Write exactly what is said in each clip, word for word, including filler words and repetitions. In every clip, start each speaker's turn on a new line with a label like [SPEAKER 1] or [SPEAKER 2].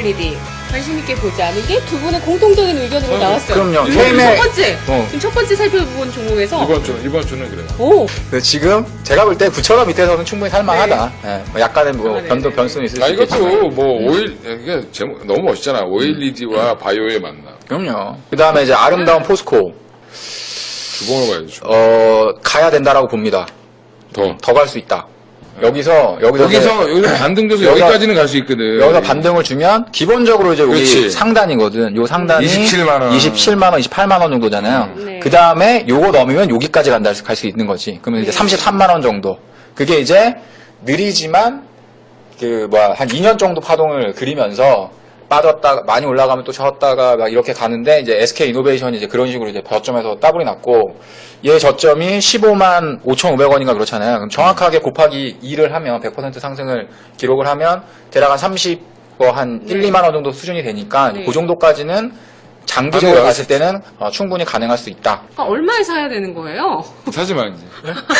[SPEAKER 1] 오엘이디 관심 있게 보자는 게 두 분의 공통적인 의견으로
[SPEAKER 2] 어,
[SPEAKER 1] 나왔어요.
[SPEAKER 3] 그럼요.
[SPEAKER 1] 이번
[SPEAKER 3] 케이엠의-
[SPEAKER 1] 첫 번째,
[SPEAKER 3] 어.
[SPEAKER 1] 지금 첫 번째 살펴본 종목에서
[SPEAKER 2] 이번 주, 이번 주는 그래요.
[SPEAKER 1] 오,
[SPEAKER 3] 그 지금 제가 볼 때 구천 원 밑에서는 충분히 살만하다. 예, 뭐 약간의 뭐
[SPEAKER 1] 아, 네,
[SPEAKER 3] 변동
[SPEAKER 1] 네.
[SPEAKER 3] 변수는 있을
[SPEAKER 2] 아,
[SPEAKER 3] 수 있겠지만.
[SPEAKER 2] 이것도 뭐, 오일, 이게 제목, 너무 멋있잖아. 오일이디와 바이오의 만남.
[SPEAKER 3] 그럼요. 그 다음에 이제 아름다운 포스코.
[SPEAKER 2] 주봉을 봐야죠. 주봉.
[SPEAKER 3] 어, 가야 된다라고 봅니다.
[SPEAKER 2] 더.
[SPEAKER 3] 더 갈 수 있다. 여기서, 여기서, 이제
[SPEAKER 2] 여기서, 여기서 반등돼서
[SPEAKER 3] 여기서-
[SPEAKER 2] 여기까지는 갈 수 있거든.
[SPEAKER 3] 여기서 반등을 주면 기본적으로 이제 여기
[SPEAKER 2] 그렇지.
[SPEAKER 3] 상단이거든. 요 상단이
[SPEAKER 2] 이십칠만 원.
[SPEAKER 3] 이십칠만 원, 이십팔만 원 정도잖아요.
[SPEAKER 1] 음. 네.
[SPEAKER 3] 그 다음에 요거 넘으면 여기까지 간다 갈 수 있는 거지. 그러면 이제
[SPEAKER 1] 네.
[SPEAKER 3] 삼십삼만 원 정도. 그게 이제 느리지만 그 뭐야 한 이 년 정도 파동을 그리면서 빠졌다가 많이 올라가면 또 졌다가 막 이렇게 가는데 이제 에스케이 이노베이션이 이제 그런 식으로 이제 저점에서 따블이 났고 얘 저점이 십오만 오천오백 원인가 그렇잖아요. 그럼 정확하게 곱하기 이를 하면 백 퍼센트 상승을 기록을 하면 대략 한 삼십 뭐 한 일,
[SPEAKER 1] 네.
[SPEAKER 3] 이만 원 정도 수준이 되니까
[SPEAKER 1] 네.
[SPEAKER 3] 그 정도까지는 장기적으로
[SPEAKER 2] 가능할
[SPEAKER 3] 봤을 때는 어, 충분히 가능할 수 있다.
[SPEAKER 1] 아, 얼마에 사야 되는 거예요?
[SPEAKER 2] 사지 마, 이제.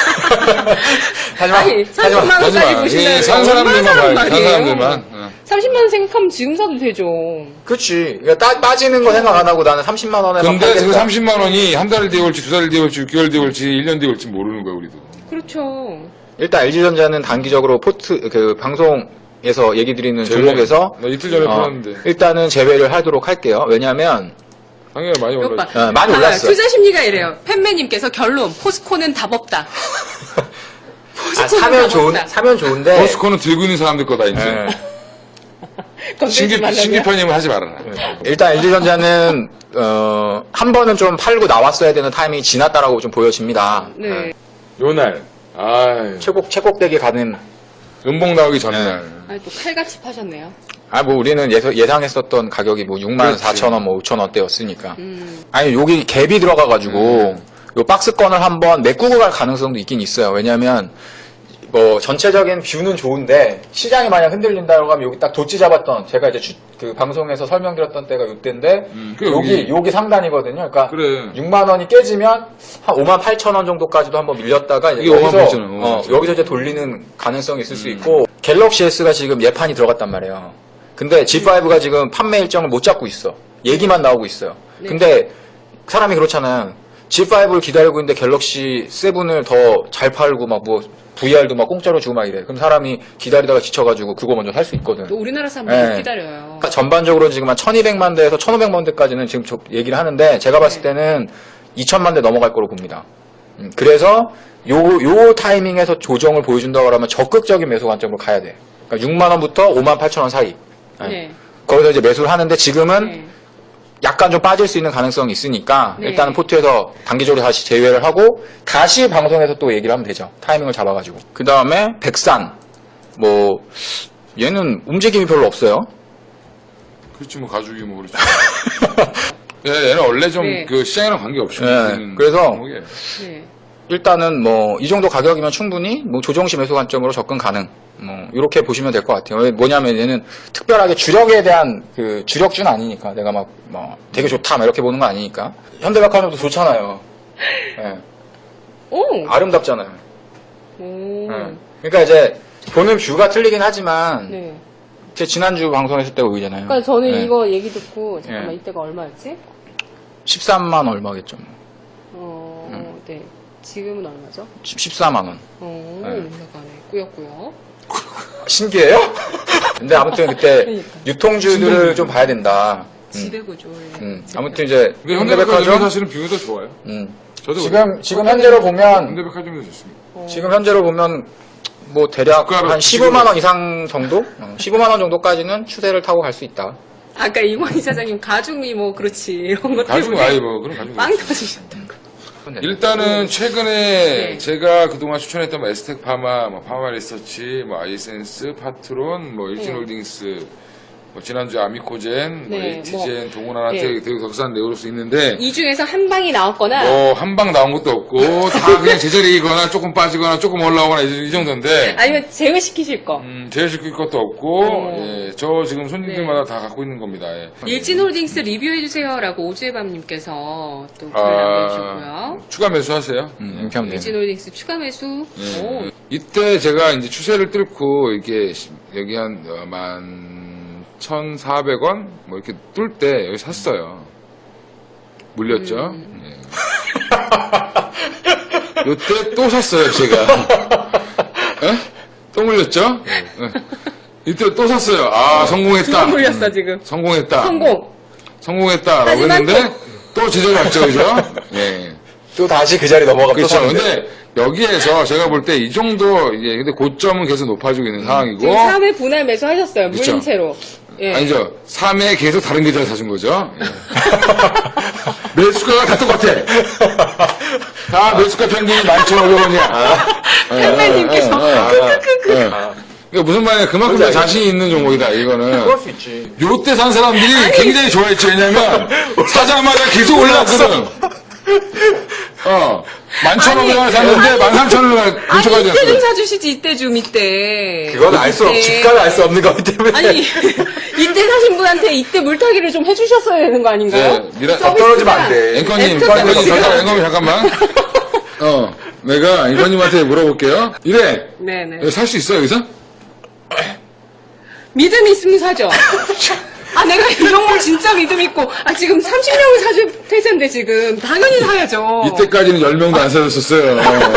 [SPEAKER 3] 하지만
[SPEAKER 1] 아니, 삼십만
[SPEAKER 2] 하지
[SPEAKER 1] 원까지
[SPEAKER 2] 마.
[SPEAKER 1] 보신다는
[SPEAKER 2] 예, 산
[SPEAKER 1] 거
[SPEAKER 2] 사람들만
[SPEAKER 1] 얼마나 사는
[SPEAKER 2] 봐요. 산
[SPEAKER 1] 말이에요?
[SPEAKER 2] 사람들만. 어.
[SPEAKER 1] 삼십만 원 생각하면 지금 사도 되죠.
[SPEAKER 3] 그렇지. 그러니까 따- 빠지는 거 생각 안 하고 나는 삼십만 원에
[SPEAKER 2] 근데 지금 삼십만 원이 한 달 뒤에 올지, 두 달 뒤에 올지, 육 개월 뒤에 올지, 일 년 뒤에 올지 모르는 거야, 우리도.
[SPEAKER 1] 그렇죠.
[SPEAKER 3] 일단 엘지전자는 단기적으로 포트 그 방송에서 얘기 드리는
[SPEAKER 2] 제외.
[SPEAKER 3] 종목에서
[SPEAKER 2] 나 이틀 전에
[SPEAKER 3] 어,
[SPEAKER 2] 풀었는데.
[SPEAKER 3] 일단은 제외를 하도록 할게요. 왜냐하면
[SPEAKER 2] 당연히 많이
[SPEAKER 1] 오빠,
[SPEAKER 2] 올랐지.
[SPEAKER 3] 어, 많이
[SPEAKER 1] 봐봐요.
[SPEAKER 3] 올랐어.
[SPEAKER 1] 투자 심리가 이래요. 팬매님께서 결론, 포스코는 답 없다.
[SPEAKER 3] 아, 사면
[SPEAKER 1] 답
[SPEAKER 3] 좋은
[SPEAKER 1] 없다.
[SPEAKER 3] 사면 좋은데
[SPEAKER 2] 포스코는 들고 있는 사람들 거다, 이제.
[SPEAKER 3] 예.
[SPEAKER 1] 건들지
[SPEAKER 2] 신기,
[SPEAKER 1] 말라고요?
[SPEAKER 2] 신기편님은 하지 말아라.
[SPEAKER 3] 일단 엘지전자는 어, 한 번은 좀 팔고 나왔어야 되는 타이밍이 지났다라고 좀 보여집니다.
[SPEAKER 1] 네.
[SPEAKER 3] 예.
[SPEAKER 2] 요날. 아이.
[SPEAKER 3] 최고 최고대기 가는
[SPEAKER 2] 음봉 나오기 전날.
[SPEAKER 1] 아니, 또 칼같이 파셨네요.
[SPEAKER 3] 아 뭐 우리는 예서, 예상했었던 가격이 뭐 육만
[SPEAKER 2] 그렇지.
[SPEAKER 3] 사천 원, 뭐 오천 원대였으니까.
[SPEAKER 1] 음.
[SPEAKER 3] 아니 여기 갭이 들어가가지고
[SPEAKER 2] 음.
[SPEAKER 3] 요 박스권을 한번 메꾸고 갈 가능성도 있긴 있어요. 왜냐하면 뭐 전체적인 뷰는 좋은데 시장이 만약 흔들린다고 하면 여기 딱 도치 잡았던 제가 이제 주- 그 방송에서 설명드렸던 때가 요때인데
[SPEAKER 2] 음, 그
[SPEAKER 3] 여기
[SPEAKER 2] 여기.
[SPEAKER 3] 여기 상단이거든요. 그러니까
[SPEAKER 2] 그래.
[SPEAKER 3] 육만 원이 깨지면 한 오만 팔천 원 정도까지도 한번 밀렸다가 이제
[SPEAKER 2] 이게 오만
[SPEAKER 3] 여기서
[SPEAKER 2] 팔천 원, 오만
[SPEAKER 3] 어,
[SPEAKER 2] 팔천 원.
[SPEAKER 3] 여기서 이제 돌리는 가능성이 있을 수
[SPEAKER 2] 음.
[SPEAKER 3] 있고 갤럭시 S가 지금 예판이 들어갔단 말이에요. 근데 지 파이브가 지금 판매 일정을 못 잡고 있어. 얘기만 나오고 있어요.
[SPEAKER 1] 네.
[SPEAKER 3] 근데 사람이 그렇잖아요. 지 파이브를 기다리고 있는데 갤럭시 세븐을 더 잘 팔고 막 뭐 브이알도 막 공짜로 주고 막 이래. 그럼 사람이 기다리다가 지쳐가지고 그거 먼저 살 수 있거든.
[SPEAKER 1] 또 우리나라 사람들 못
[SPEAKER 3] 네.
[SPEAKER 1] 기다려요.
[SPEAKER 3] 그러니까 전반적으로 지금 한 천이백만 대에서 천오백만 대까지는 지금 저- 얘기를 하는데 제가 봤을
[SPEAKER 1] 네.
[SPEAKER 3] 때는 이천만 대 넘어갈 거로 봅니다. 음, 그래서 요, 요 타이밍에서 조정을 보여준다고 하면 적극적인 매수 관점으로 가야 돼. 그러니까 육만 원부터 오만 팔천 원 사이. 네.
[SPEAKER 1] 네.
[SPEAKER 3] 거기서 이제 매수를 하는데 지금은
[SPEAKER 1] 네.
[SPEAKER 3] 약간 좀 빠질 수 있는 가능성이 있으니까
[SPEAKER 1] 네.
[SPEAKER 3] 일단은 포트에서 단기적으로 다시 제외를 하고 다시 방송에서 또 얘기를 하면 되죠. 타이밍을 잡아가지고. 그 다음에 백산. 뭐 얘는 움직임이 별로 없어요.
[SPEAKER 2] 그렇지, 뭐, 가죽이 뭐, 그렇지. 예, 얘는 원래 좀
[SPEAKER 1] 네.
[SPEAKER 2] 그 시장이랑 관계없이.
[SPEAKER 3] 네,
[SPEAKER 2] 움직이는
[SPEAKER 3] 그래서
[SPEAKER 2] 종목이에요.
[SPEAKER 1] 네.
[SPEAKER 3] 일단은 뭐 이 정도 가격이면 충분히 뭐 조정시 매수 관점으로 접근 가능. 뭐 이렇게 보시면 될 것 같아요. 왜 뭐냐면 얘는 특별하게 주력에 대한 그 주력주는 아니니까 내가 막 뭐 되게 좋다 막 이렇게 보는 거 아니니까. 현대백화점도 좋잖아요. 예.
[SPEAKER 1] 오!
[SPEAKER 3] 아름답잖아요.
[SPEAKER 1] 오.
[SPEAKER 3] 예. 그러니까 이제 보는 뷰가 틀리긴 하지만
[SPEAKER 1] 네.
[SPEAKER 3] 제 지난주 방송했을 때가 의잖아요.
[SPEAKER 1] 그러니까 저는
[SPEAKER 3] 예.
[SPEAKER 1] 이거 얘기 듣고 잠깐만
[SPEAKER 3] 네.
[SPEAKER 1] 이때가 얼마였지?
[SPEAKER 3] 십삼만 얼마겠죠.
[SPEAKER 1] 어, 네. 지금은 얼마죠?
[SPEAKER 3] 십사만 원.
[SPEAKER 1] 어,
[SPEAKER 3] 네.
[SPEAKER 1] 올라가네. 꾸역꾸역.
[SPEAKER 3] 신기해요? 근데 아무튼 그때
[SPEAKER 1] 그러니까.
[SPEAKER 3] 유통주들을 좀 봐야 된다. 음.
[SPEAKER 1] 지배구조. 예.
[SPEAKER 3] 음, 아무튼 이제
[SPEAKER 2] 근데 현대백화점이
[SPEAKER 3] 현대백화점
[SPEAKER 2] 사실은 뷰가 더 좋아요.
[SPEAKER 3] 음.
[SPEAKER 2] 저도
[SPEAKER 3] 지금 지금 현재로 보면
[SPEAKER 2] 현대백화점이 더 좋습니다.
[SPEAKER 1] 어.
[SPEAKER 3] 지금 현재로 보면 뭐 대략
[SPEAKER 2] 주가로
[SPEAKER 3] 한 십오만 원 이상 정도, 어, 십오만 원 정도까지는 추세를 타고 갈 수 있다.
[SPEAKER 1] 아까 이권 이사장님 가죽이 뭐 그렇지 이런 것
[SPEAKER 2] 가죽
[SPEAKER 1] 때문에
[SPEAKER 2] 아이 뭐 그런 가죽.
[SPEAKER 1] 빵 터지셨다고.
[SPEAKER 2] 일단은 최근에
[SPEAKER 1] 네.
[SPEAKER 2] 제가 그동안 추천했던 뭐 에스텍 파마, 뭐 파마 리서치, 뭐 아이센스, 파트론, 뭐 일진홀딩스, 뭐 지난주 아미코젠, 뭐
[SPEAKER 1] 네,
[SPEAKER 2] 에이티젠,
[SPEAKER 1] 뭐,
[SPEAKER 2] 동원한테
[SPEAKER 1] 네.
[SPEAKER 2] 되게 격산 내올 수 있는데
[SPEAKER 1] 이 중에서 한 방이 나왔거나
[SPEAKER 2] 뭐 한 방 나온 것도 없고 다 그냥 제자리이거나 조금 빠지거나 조금 올라오거나 이 이 정도인데
[SPEAKER 1] 아니면 제외시키실 거.
[SPEAKER 2] 음, 제외시킬 것도 없고
[SPEAKER 1] 어.
[SPEAKER 2] 예, 저 지금 손님들마다 다 갖고 있는 겁니다. 예.
[SPEAKER 1] 일진홀딩스 리뷰해주세요라고 오주혜밤님께서 또 글을
[SPEAKER 2] 아,
[SPEAKER 1] 남겨주셨고요.
[SPEAKER 2] 추가 매수하세요.
[SPEAKER 3] 음, 이렇게 하면 돼요.
[SPEAKER 1] 일진홀딩스 추가 매수.
[SPEAKER 2] 예.
[SPEAKER 1] 오.
[SPEAKER 2] 이때 제가 이제 추세를 뚫고 이게 시- 여기 한 어, 만 사천사백 원 뭐 이렇게 뚫 때 여기 샀어요. 물렸죠.
[SPEAKER 1] 음.
[SPEAKER 2] 예. 요때 또 샀어요, 제가. 예? 또 물렸죠? 예. 이때 또 샀어요. 아, 성공했다.
[SPEAKER 1] 두번 물렸어 지금.
[SPEAKER 2] 성공했다.
[SPEAKER 1] 성공.
[SPEAKER 2] 성공했다라고
[SPEAKER 1] 하지만
[SPEAKER 2] 했는데 또 제자리였죠, 그죠? 예.
[SPEAKER 3] 또 다시 그 자리 넘어가면 또
[SPEAKER 2] 그렇죠.
[SPEAKER 3] 샀는데.
[SPEAKER 2] 근데 여기에서 제가 볼 때 이 정도 이게 근데 고점은 계속 높아지고 있는 상황이고
[SPEAKER 1] 지금 삼 회 분할 매수하셨어요. 물린
[SPEAKER 2] 그쵸.
[SPEAKER 1] 채로. 예.
[SPEAKER 2] 아니죠. 삼 회 계속 다른 계좌를 사준 거죠. 예. 매수가가 다 똑같아. 다 매수가 평균이 만 천오백 원이야.
[SPEAKER 1] 팬매님께서 크크크크.
[SPEAKER 2] 그러니까 무슨 말이냐. 그만큼
[SPEAKER 3] 뭔지
[SPEAKER 2] 자신이 있는 종목이다, 이거는.
[SPEAKER 3] 그럴 수 있지.
[SPEAKER 2] 요때 산 사람들이 굉장히 좋아했죠. 왜냐면 사자마자 계속 올라왔거든. 어. 만 천오백 원을 샀는데 만 삼천 원을
[SPEAKER 1] 아니
[SPEAKER 2] 근처가
[SPEAKER 1] 이때 좀
[SPEAKER 2] 됐어요.
[SPEAKER 1] 사주시지 이때 좀 이때.
[SPEAKER 3] 그건 알 수 없,
[SPEAKER 1] 이때.
[SPEAKER 3] 주가를 알 수 없는 거기 때문에.
[SPEAKER 1] 아니 이때 사신 분한테 이때 물타기를 좀 해주셨어야 되는 거 아닌가요?
[SPEAKER 2] 네, 미라-
[SPEAKER 1] 서비스가.
[SPEAKER 3] 떨어지면 안 돼.
[SPEAKER 2] 앵커님,
[SPEAKER 1] 애프터
[SPEAKER 2] 앵커님,
[SPEAKER 1] 서비스가.
[SPEAKER 2] 잠깐, 앵커님, 잠깐만. 어, 내가 앵커님한테 물어볼게요. 이래,
[SPEAKER 1] 네네.
[SPEAKER 2] 살 수 있어, 여기서?
[SPEAKER 1] 믿음이 있으면 사죠. 아 내가 이 종목 진짜 믿음 있고 아 지금 삼십 명을 사줄 태세인데 지금 당연히 사야죠.
[SPEAKER 2] 이때까지는 열 명도 안 사줬었어요.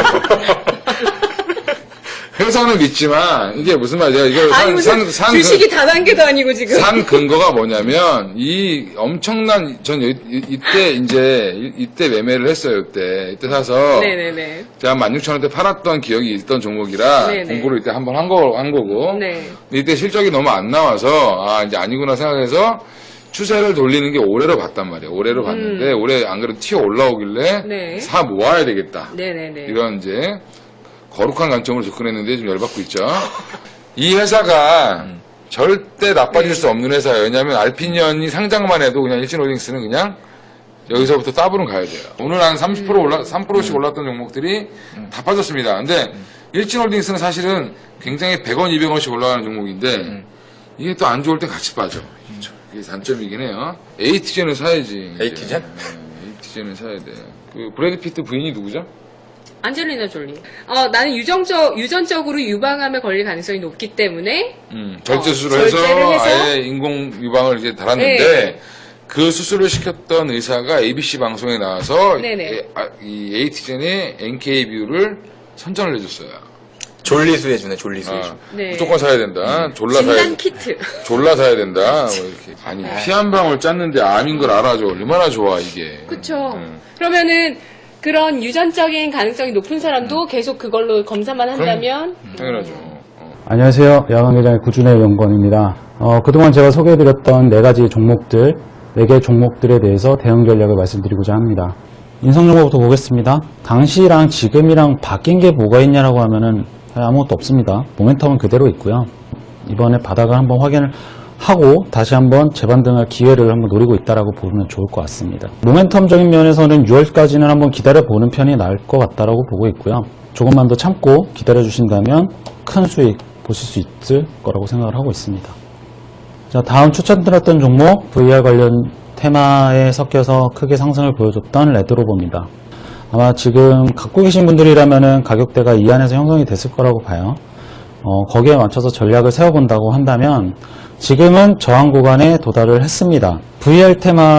[SPEAKER 2] 회사는 믿지만, 이게 무슨 말이야. 이거
[SPEAKER 1] 아니
[SPEAKER 2] 산,
[SPEAKER 1] 무슨
[SPEAKER 2] 산, 산,
[SPEAKER 1] 주식이 다단계도 아니고 지금.
[SPEAKER 2] 산 근거가 뭐냐면, 이 엄청난, 전 이, 이때 이제, 이- 이때 매매를 했어요, 이때. 이때 사서.
[SPEAKER 1] 네네네.
[SPEAKER 2] 제가 만 육천 원대 팔았던 기억이 있던 종목이라
[SPEAKER 1] 네네.
[SPEAKER 2] 공부를 이때 한번 한, 거, 한 거고
[SPEAKER 1] 네.
[SPEAKER 2] 근데 이때 실적이 너무 안 나와서 아 이제 아니구나 생각해서 추세를 돌리는 게 올해로 봤단 말이에요. 올해로 봤는데 올해 안 그래도 튀어 올라오길래
[SPEAKER 1] 음. 네.
[SPEAKER 2] 사 모아야 되겠다.
[SPEAKER 1] 네네네.
[SPEAKER 2] 이런 이제 거룩한 관점으로 접근했는데 좀 열받고 있죠. 이 회사가 절대 나빠질 수 없는 회사예요. 왜냐하면 알피니언이 상장만 해도 그냥 일진홀딩스는 그냥 여기서부터 따블은 가야 돼요. 오늘 한 삼십 퍼센트 올라, 삼 퍼센트씩 올랐던 종목들이 다 빠졌습니다. 근데 일진홀딩스는 사실은 굉장히 백 원, 이백 원씩 올라가는 종목인데 이게 또 안 좋을 때 같이 빠져. 그게 단점이긴 해요. 에이티젠을 사야지. 이제.
[SPEAKER 3] 에이티젠?
[SPEAKER 2] 네, 에이티젠을 사야 돼. 그 브래드 피트 부인이 누구죠?
[SPEAKER 1] 안젤리나 졸리. 어, 나는 유정적, 유전적으로 유방암에 걸릴 가능성이 높기 때문에
[SPEAKER 2] 음, 절제
[SPEAKER 1] 어,
[SPEAKER 2] 수술을 해서,
[SPEAKER 1] 절제를 해서?
[SPEAKER 2] 아예 인공 유방을 이제 달았는데
[SPEAKER 1] 네.
[SPEAKER 2] 그 수술을 시켰던 의사가 에이비씨 방송에 나와서
[SPEAKER 1] 네네.
[SPEAKER 2] 에, 아, 이 에이티젠의 엔케이 비율을 선전을 해줬어요.
[SPEAKER 3] 졸리수 해주네, 졸리수 해주.
[SPEAKER 2] 아,
[SPEAKER 1] 네.
[SPEAKER 2] 무조건 사야 된다. 졸라 사야
[SPEAKER 1] 진단
[SPEAKER 2] 된다.
[SPEAKER 1] 키트.
[SPEAKER 2] 졸라 사야 된다. 뭐 이렇게. 아니 피 한 방울 짰는데 암인 걸 알아줘. 얼마나 좋아 이게.
[SPEAKER 1] 그쵸.
[SPEAKER 2] 음.
[SPEAKER 1] 그러면은 그런 유전적인 가능성이 높은 사람도 계속 그걸로 검사만 한다면
[SPEAKER 2] 당연하죠. 어.
[SPEAKER 4] 안녕하세요. 야간개장의 구준의 연구원입니다. 어, 그동안 제가 소개해드렸던 네 가지 종목들, 네 개 종목들에 대해서 대응 전략을 말씀드리고자 합니다. 인성정보부터 보겠습니다. 당시랑 지금이랑 바뀐 게 뭐가 있냐라고 하면은 아무것도 없습니다. 모멘텀은 그대로 있고요. 이번에 바닥을 한번 확인을 하고 다시 한번 재반등할 기회를 한번 노리고 있다라고 보면 좋을 것 같습니다. 모멘텀적인 면에서는 유월까지는 한번 기다려보는 편이 나을 것 같다라고 보고 있고요. 조금만 더 참고 기다려주신다면 큰 수익 보실 수 있을 거라고 생각을 하고 있습니다. 자, 다음 추천드렸던 종목 브이알 관련 테마에 섞여서 크게 상승을 보여줬던 레드로버입니다. 아마 지금 갖고 계신 분들이라면은 가격대가 이 안에서 형성이 됐을 거라고 봐요. 어, 거기에 맞춰서 전략을 세워본다고 한다면 지금은 저항 구간에 도달을 했습니다. 브이알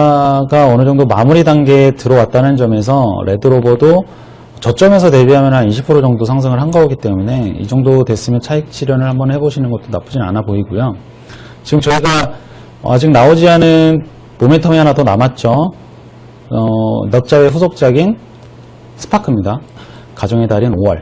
[SPEAKER 4] 테마가 어느 정도 마무리 단계에 들어왔다는 점에서 레드로버도 저점에서 대비하면 한 이십 퍼센트 정도 상승을 한 거기 때문에 이 정도 됐으면 차익 실현을 한번 해보시는 것도 나쁘진 않아 보이고요. 지금 저희가 아직 나오지 않은 모멘텀이 하나 더 남았죠. 어, 넉자의 후속작인 스파크입니다. 가정의 달인 오월.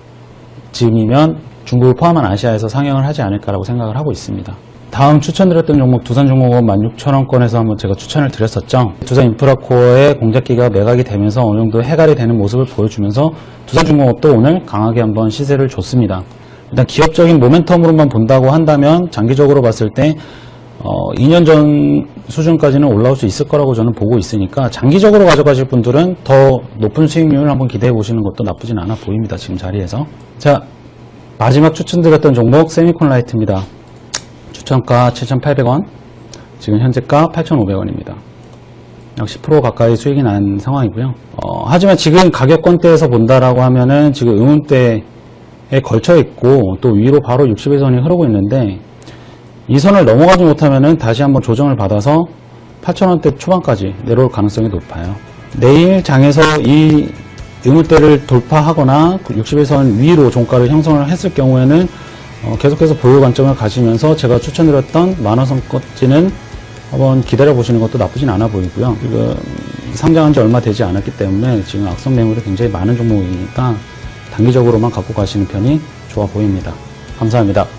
[SPEAKER 4] 지금이면 중국을 포함한 아시아에서 상영을 하지 않을까라고 생각을 하고 있습니다. 다음 추천드렸던 종목 두산중공업 만 육천 원권에서 한번 제가 추천을 드렸었죠. 두산인프라코어의 공작기가 매각이 되면서 어느 정도 해갈이 되는 모습을 보여주면서 두산중공업도 오늘 강하게 한번 시세를 줬습니다. 일단 기업적인 모멘텀으로만 본다고 한다면 장기적으로 봤을 때 어, 이 년 전 수준까지는 올라올 수 있을 거라고 저는 보고 있으니까 장기적으로 가져가실 분들은 더 높은 수익률을 한번 기대해 보시는 것도 나쁘진 않아 보입니다. 지금 자리에서. 자, 마지막 추천드렸던 종목 세미콘라이트입니다. 추천가 칠천팔백 원, 지금 현재가 팔천오백 원입니다. 약 십 퍼센트 가까이 수익이 난 상황이고요. 어, 하지만 지금 가격권대에서 본다라고 하면은 지금 의문대에 걸쳐 있고 또 위로 바로 육십일 선이 흐르고 있는데 이 선을 넘어가지 못하면은 다시 한번 조정을 받아서 팔천 원대 초반까지 내려올 가능성이 높아요. 내일 장에서 이 의무대를 돌파하거나 육십 일선 위로 종가를 형성을 했을 경우에는 어, 계속해서 보유 관점을 가지면서 제가 추천드렸던 만원 선까지는 한번 기다려 보시는 것도 나쁘진 않아 보이고요. 지금 상장한 지 얼마 되지 않았기 때문에 지금 악성 매물이 굉장히 많은 종목이니까 단기적으로만 갖고 가시는 편이 좋아 보입니다. 감사합니다.